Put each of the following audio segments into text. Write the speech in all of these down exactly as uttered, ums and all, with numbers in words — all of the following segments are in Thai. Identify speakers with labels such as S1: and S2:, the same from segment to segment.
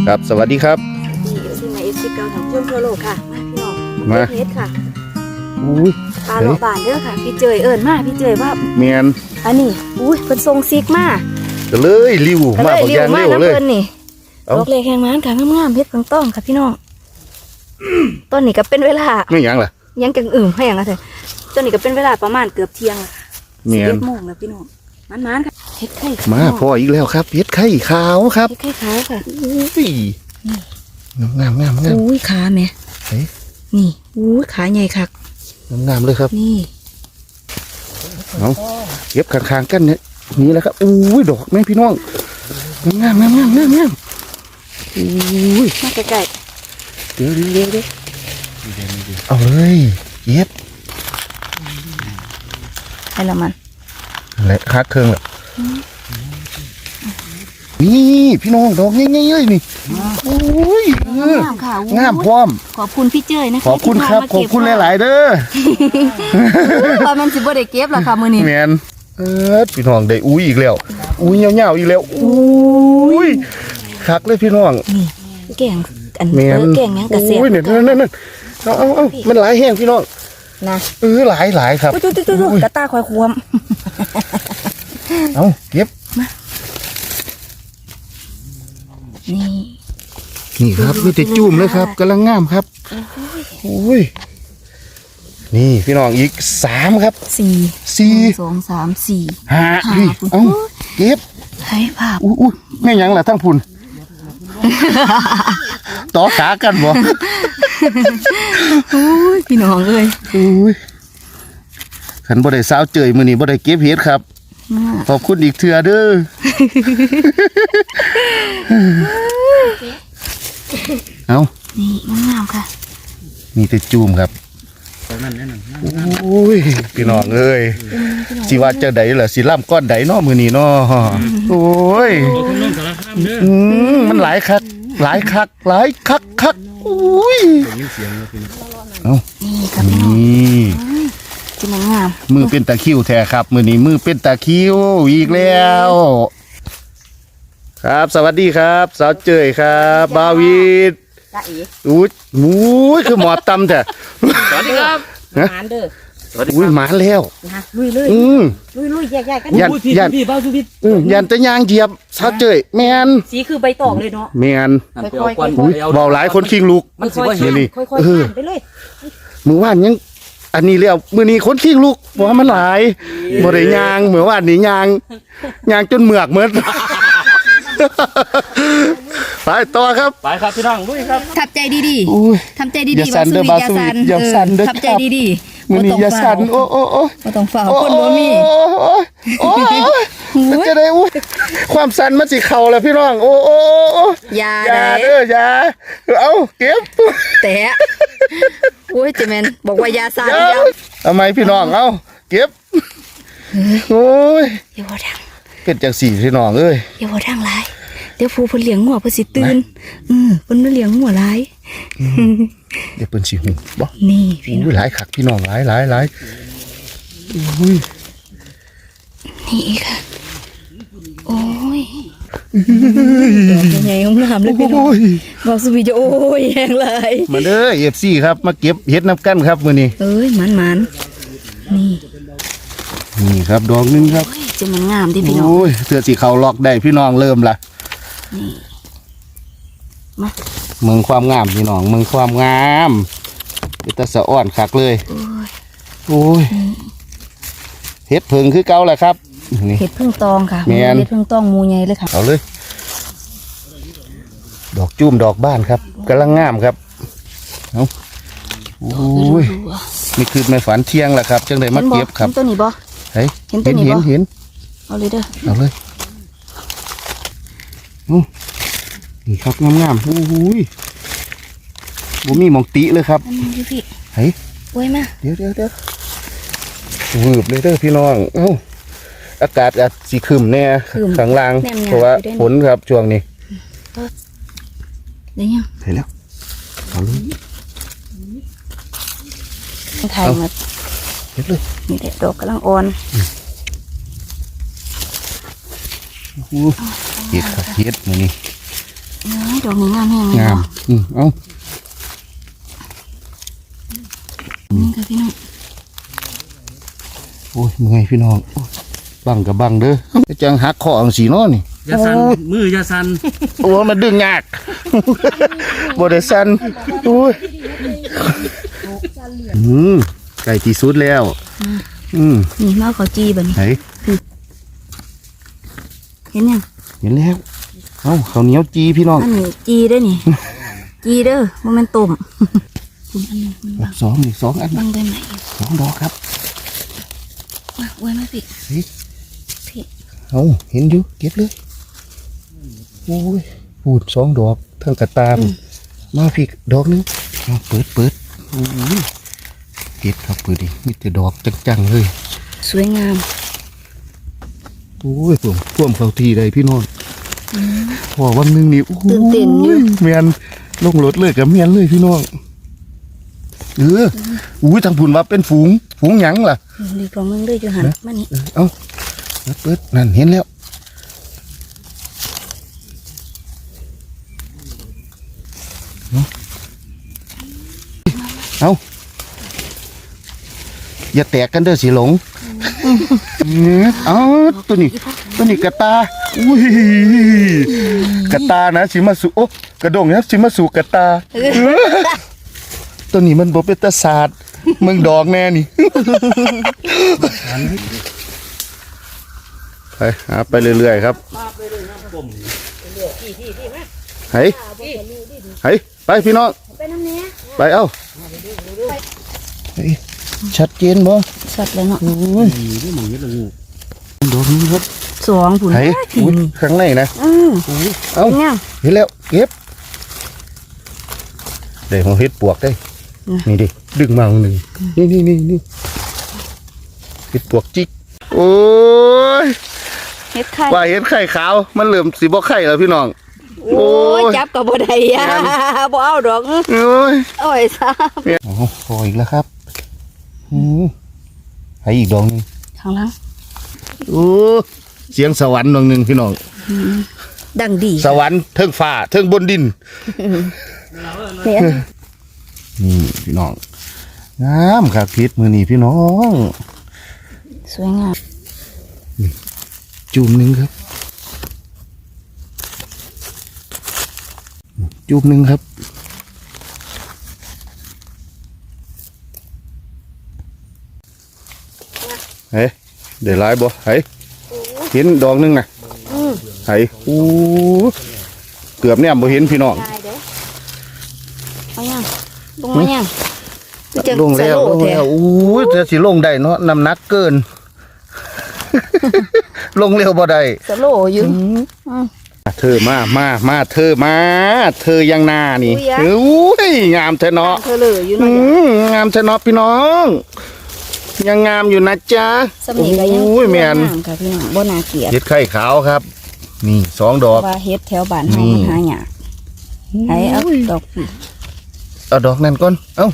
S1: ครับสวัสดีครับ
S2: ที่อยู่ที่มาเอฟซีเก่าของช่วงทั่วโลกค่ะมาพี่น้องมาเฮ็ดค่ะ
S1: อุ้ย
S2: ปลาหลอบานเด้อค่ะพี่เจยเอิญมาพี่เจยว่า
S1: เมียน
S2: อันนี้อุ้ยเป็นทรงซิกมา
S1: ก็เลยริวมาบอกอย่างเร็วเลย
S2: นี่ดอกเล็กแห้งมันค่ะงามๆเพชรต้องต้องค่ะพี่น้องต้นนี้ก็เป็นเวลา
S1: ไม่ยังล่ะ
S2: ยังกังอื่มให้ยังไงเถอะต้นนี้ก็เป็นเวลาประมาณเกือบเที่ยงละ
S1: เมียน
S2: โมงแล้วพี่น้องมันๆค่ะเฮ็ดไข่
S1: มาพออีกแล้วครับเฮ็ดไข่ขาวครับ
S2: เฮ็ดไข่ขาวค่ะ
S1: อุ้ยงามงามงาม
S2: อุ้ยขาแม่นี่อุ้ยขาใหญ่คัก
S1: งามเลยครับ
S2: นี่
S1: เอาเก็บข้างๆกันเนี่ยนี่แหละครับอุ้ยดอกแม่พี่น้องงามงามงามงามงามอุ้ย
S2: มาใกล้
S1: ๆเดี๋ยวเดี๋ยวเดี๋ยวเดี๋ยวเอาเลยเก็บ
S2: ให้ละมัน
S1: และคักเครื่องแบบนี่พี่น้องดอกง่ายๆเลยนี่โอ้ย
S2: งามค่ะ
S1: งามพร้อม
S2: ขอบคุณพี่เจ้ยนะ
S1: ขอบคุณครับขอบคุณหลายๆเด้อ
S2: ว่ามันสิบ่ได้เก็บหรอค่ะมื้อนี้
S1: แม่นเออพี่น้องได้อุ้ยอีกแล้วอุ้ยเหี่ยวๆอีกแล้วอุ้ยคักเลยพี่น้อง
S2: นี่แกงอันเออแกงยังกระเสีย
S1: อุ้ยเนี่ยนั่นๆเอาเอามันหลายแห้งพี่น้อง
S2: นะ
S1: เออหลายหลายครับ
S2: จุ๊ดๆๆกระตาคอยควม
S1: เอาเก็บ
S2: นี่
S1: นี่ครับมีแต่จุ่มเลยครับกำลังงามครับโอ้ยนี่พี่น้องอีกสามครับ
S2: สี่
S1: สี่
S2: สองสามสี่
S1: ห้าเอาเก็บ
S2: ให้ภาพ
S1: อุ้ยแม่ยังล่ะทั้งพุ่นต่อขากันบ่
S2: โอ้ยพี่น้องเอ้ย
S1: โอ้ยขันบ่ได้สาวเจยมื้อนี้บ่ได้เก็บเห็ดครับขอบคุณอีกเทื่อเด้อเอา
S2: นี่งามค่ะ
S1: มีแต่จูมครับโอ้ยพี่น้องเอ้ยสิว่าเจ้าใดล่ะสิล่ำก้อนใดเนาะมื้อนี้เนาะโอ้ยอืมมันหลายคักหลายคักหลายคักคักอุ้ยเอา
S2: นี่ครับพี่น้อง
S1: นี่
S2: ที่มันงาม
S1: มือเป็นตะคิวแท้ครับมื้อนี้มือเป็นตะคิวอีกแล้วครับสวัสดีครับสาวเจยครับบาวิดอุ้ยอุ้ยคือหมอตำแท้
S2: สวัสดีครับหมานเด้อ
S1: อุ้ยหมาแล้ว
S2: นะลุยเลย
S1: อืม
S2: ลุยลุยแยกๆกัน
S1: ยันยันอืมยันตะยางเหยียบสาวเจยแมน
S2: สีคือใบตองเลยเนาะ
S1: แมน
S2: ค่อย
S1: ๆเบาหลายคนคิงลูก
S2: มันค่อยๆนี่ค่อยๆไปเลย
S1: มือว่านยังอันนี้แล้วมือนี้คนคิงลูกเพราะว่ามันหลายบ่ได้ยางเหมือนว่านนี่ยางยางจนเหมือกเหมือนไปต่อครับ
S3: ไปครับพี่น้องลุยครับ
S2: ทับใจดีๆทำใจดีๆ
S1: อย่าสั่นเด้อบาสุวิทอย่าสั่นเด้อ
S2: ทับใจดี
S1: ๆมือนี้อย่าสั่นโอ้โอ้โอ้
S2: บ่ต้องฝ่าคนบ่มี
S1: โอ้มันจะได้อุ้ยความสั่นมันสิเข่าแล้วพี่น้องโอ้โอ้โอ้
S2: อย่า
S1: เด้ออย่าเอาเก็บ
S2: แตะโอ้ยเจแมนบอกว่าอย่าสั่น
S1: ทำไมพี่น้องเอาเก็บโอ้ย
S2: อย่าบ่ดัง
S1: เป็นจังสี่พี่น้องเอ้ย
S2: อย่าบ่ดังหลายเดี๋ยวผู้เพิ่นเลี้ยงงัวเพิ่นสิตื่นอือเพิ่นมาเลี้ยงงัวหลาย
S1: เดี๋ยวเพิ่นสิหูบ่
S2: นี่พี่น้อง
S1: หลายคักพี่น้องหลายหลายหลายอุ้ย
S2: นี่ค่ะโอ้ยดอกใหญ่ๆงามเลยพี่น้องบอกสุวิจะโอ้ยแห้งเลย
S1: มาเด้อ เอฟ ซี ครับมาเก็บเห็ดน้ำกันครับมื้อนี้
S2: เอ้ยมันๆนี่
S1: นี่ครับดอกนึงครับ
S2: จะมันงามดิพี่น้อง
S1: โอ้ยเสื้อสีขาวล็อกได้พี่น้องเริ่มละ
S2: นี่มา
S1: เมืองความงามพี่น้องเมืองความงามเป็นตะสะอ่อนคักเลยโอ้ยเห็ดเพิงคือเก่าแหละครับ
S2: เห็ดพึ่งตองค่ะเห็ดพึ่งตองมูใหญ่เลยค่ะ
S1: เอาเลยดอกจุ่มดอกบ้านครับกำลังงามครับเอาโอ้ยนี่คือในฝันเที่ยงแหละครับจังเลยมาเก็บครับ
S2: เห็นตัวนี้บ่
S1: เห็นเห็นเห็นเห็น
S2: เอาเลยเด้อ
S1: เอาเลยนี่ครับงามๆโอ้ยบุมีมองติเลยครับเฮ้ย
S2: โอ้ยมา
S1: เดี๋ยวเดี๋ยวเดี๋ยววืบเลยเด้อพี่น้องเอ้าอากาศอาจสีขึ้นแน่ข้างล่างเพราะว่าฝนครับช่วงนี้
S2: ได้ยัง
S1: เห็นแล้วเอาเลย
S2: ถ่ายมา
S1: เห็นเลย
S2: นี่แหละดอกกำลังอ่อน
S1: เห็ดครับเห็ดมือนี่
S2: ดอกนี้งามแห้งเลย
S1: งาม
S2: เนาะ
S1: อืมเอา
S2: นี่ค่ะพี่น้อง
S1: โอ้ยเมื่อยพี่น้องโอ้ยบังกับบังเด้อจังหักคออังสีเนาะนี่
S3: อย่าสั่นมืออย่าสั่น
S1: โอ้ยมันดึงยาก บ่ได้สั่นโอ้ยอืมไก่ที่สุดแล้ว อืม
S2: นี่มาเขาจีบัดนี้
S1: ไหน
S2: เห็นยัง
S1: เห็นแล้วเอ้าข้าวเหนียวจีพี่น้อง
S2: อันนี้จีได้อนี่ จีเด้อโมเมนต้มคุณอันนี้มันบัง
S1: สองนี่สองอัน
S2: บังได้ไหม
S1: สองดอกครับ
S2: มาไว้ไหมพี่
S1: เฮ้ย
S2: พี่
S1: เอาเห็นอยู่เก็บเลยโอ้ยพูดสองดอกเท่ากับตาม มาพี่ดอกหนึงเอาเปิดเปิดโอ้ยเก็บครับเปิดดิมีแต่ดอกจังๆเลย
S2: สวยงาม
S1: โอ้ยผมพ่วมเขาทีใดพี่น้องพอวันหนึงนี่โอ้โห
S2: ตื่นเต้นอยู่
S1: เมียนลงรถเลยกับเมียนเลยพี่น้องเอออุ้ยทางผุนว่าเป็นฝูงฝูงหยังล่ะ
S2: ดีกล่องนึงด้วยจูหันมานี่
S1: เออเอาเปิดเปิดนั่นเห็นแล้วเอาเอาอย่าแตกกันเด้อสิหลงเนี่ยเอาตัวนี้ตัวนี้กระตาอุ้ยกระตานะสิมาสู่โอ้กระดงนะสิมาสู่กระตาเออตัวนี้มันบ่เป็นตาศาสตร์มึงดอกแน่นี่ ไปหาไปเรื่อยๆครับเฮ้ยเฮ้ยไปพี่น้อง
S2: ไปน้ำเนี้ย
S1: ไปเอ้าเฮ้ยชัดเจนบ่
S2: สัตว์เลยเนาะ
S1: โอ้ย
S3: ดีด้วยหมึงนี่ละงู
S1: ดอกนี้ครับ
S2: สองผุน
S1: เฮ้ยอุ๊ยข้างในนะ
S2: อืม
S1: เอ้า
S2: เนี่ย
S1: เห็นแล้วเก็บเดี๋ยวผมเฮ็ดปวกได้
S2: อืม
S1: นี่ดิดึงมาหนึ่งนี่นี่นี่นี่เฮ็ดปวกจิกโอ้ย
S2: เฮ็ดไข่
S1: ว่าเห็นไข่ขาวมันเหลื่อมสีบ่ไข่แล้วพี่น้อง
S2: โอ้ยจับกับบ่ได้อ่ะบ่เอาดอก
S1: โอ้ย
S2: โอ้ยซ้
S1: โอ้โหพออีกแล้วครับอืมให้อีกดอกหนึง
S2: ำข้างหล่าง
S1: โอ้เสียงสวรรค์ดอกหนึ่งพี่น้อง
S2: ดังดี
S1: สวรรค์เทิงฟ้าเทิงบนดิน
S2: เนี่ย
S1: นี่พี่น้องงามครับพิษมือนี่พี่น้อง
S2: สวยงาม
S1: จุ่มหนึ่งครับจุ่มหนึ่งครับเฮ้ยเดี๋ยวไล่บ่เฮ้ยเห็นดอกหนึงนะ
S2: อืม
S1: เฮ้ยโอ้เกือบเนี่ยบ่เห็นพี่น้อง
S2: ได้เด้อเอายังลงมายังคือจัง
S1: ลงแล้ว
S2: สโ
S1: ลงแล้วโอ้ยจะสิลงได้เนาะน้ำหนักเกิน ลงเร็วบ่ได้
S2: สโลอยู่อืม
S1: เธอมามามาเธอมา เธอยังหน้านี่
S2: อุ๊ยอะ
S1: โอ้ยงามเธอเนาะ
S2: เธอเลยอยู่
S1: อื
S2: เนาะ
S1: มงามเธอเนาะพี่น้อง ยังงามอยู่นะจ๊ะ
S2: สำนีก็ยัง
S1: โอ้ยแมน
S2: งามค่ะพี่น้องบ่น่าเกลียด
S1: เห็ดไข่ขาวครับ นี่สองดอก
S2: ว่าเฮ็ดแถวบ้านเฮา
S1: นี่
S2: มันหายากให้เอาดอกพี่
S1: เอาดอกนั่นก่อนเอ้า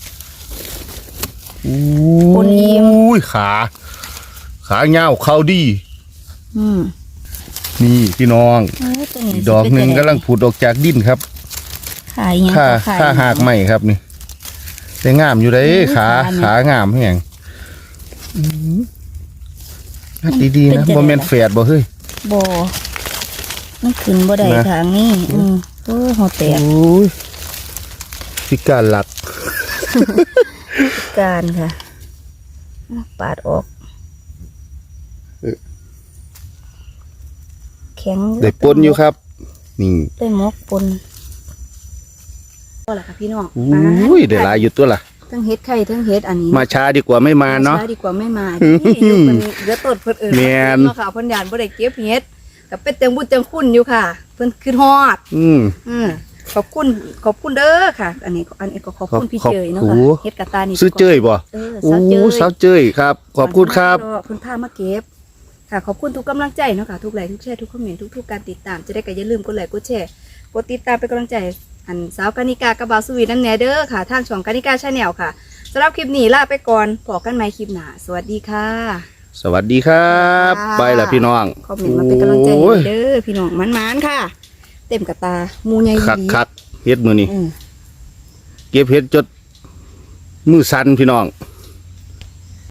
S1: โอ้
S2: คนอิ่ม
S1: ยขา ขาเงาวเขาดี
S2: อืม
S1: นี่พี่น้อง
S2: เอ้ยตัวนี้
S1: อีกดอกหนึ่งกำลังผุดออกจากดินครับ
S2: ขายยัง
S1: ค่า
S2: ขาย
S1: ค่าหากใหม่ครับนี่แต่งามอยู่เลยขาขางามแห้งอืมนัดดีๆนะบ่แม่นแฝดบ่เฮ้ย
S2: บ่มันขึ้นบ่ได้
S1: นะ
S2: ทางนี้อืมโอ้ยหัวแตก
S1: โอ้ยพิการหลัก
S2: การค่ะปาดออก
S1: เออ
S2: แข็ง
S1: ได้ปนอยู่ครับ นี่
S2: ได้หมกปนก็ล่ะค่ะพี่น้อง
S1: อุ้ยได้หลายอยู่ตัวล่ะ
S2: ทั้งเฮ็ดไข่ทั้งเฮ็ดอันนี้
S1: มาช้าดีกว่าไม่มาเนาะ
S2: ช้ดีกว่าไม่มานี่อยู่เพิ่นเหลือต้นเพิ่นเอิ้น
S1: แม่น
S2: เนาะค่ะเพิ่นยานบ่ได้เก็บเฮ็ดก็เป็นเต็งบุญเต็งคุณอยู่ค่ะ เพิ่นคือฮอด
S1: อืม
S2: อืมขอบคุณขอบคุณเด้อค่ะ อันนี้อันนี้ก็ขอบคุณพี่
S1: ขอบ
S2: เจยเนาะ
S1: โอ้
S2: ค่ะเฮ็ดกระตานี่
S1: ซื้อเจ้ยบ่
S2: เออ
S1: โอ้
S2: สาวเจย
S1: สาวเจ้ยครับ ขอบคุณครับ
S2: เพิ่นพามาเก็บค่ะ ขอบคุณทุกกำลังใจเนาะค่ะทุกไลค์ทุกแชร์ทุกคอมเมนต์ทุกๆการติดตามจะได้ก็อย่าลืมกดไลค์กดแชร์กดติดตามเป็นกำลังใจอันสาวกานิกากับบาวสวีนั่นแหน่เด้อค่ะทางช่องกานิกาชาแนลค่ะสำหรับคลิปนี้ลาไปก่อนพบกันใหม่คลิปหน้าสวัสดีค่ะ
S1: สวัสดีครับ
S2: ค่ะ
S1: ไปละพี่น้อง
S2: คอมเมนต์มาเป็นกำลังใจให้
S1: โอ้ย
S2: เด้อพี่น้องมันๆค่ะเต็มกระตาหมูใหญ่
S1: คัก
S2: ดี
S1: คักๆเฮ็ดมือนี่
S2: อืม
S1: เก็บเฮ็ดจดมือสั่นพี่น้อง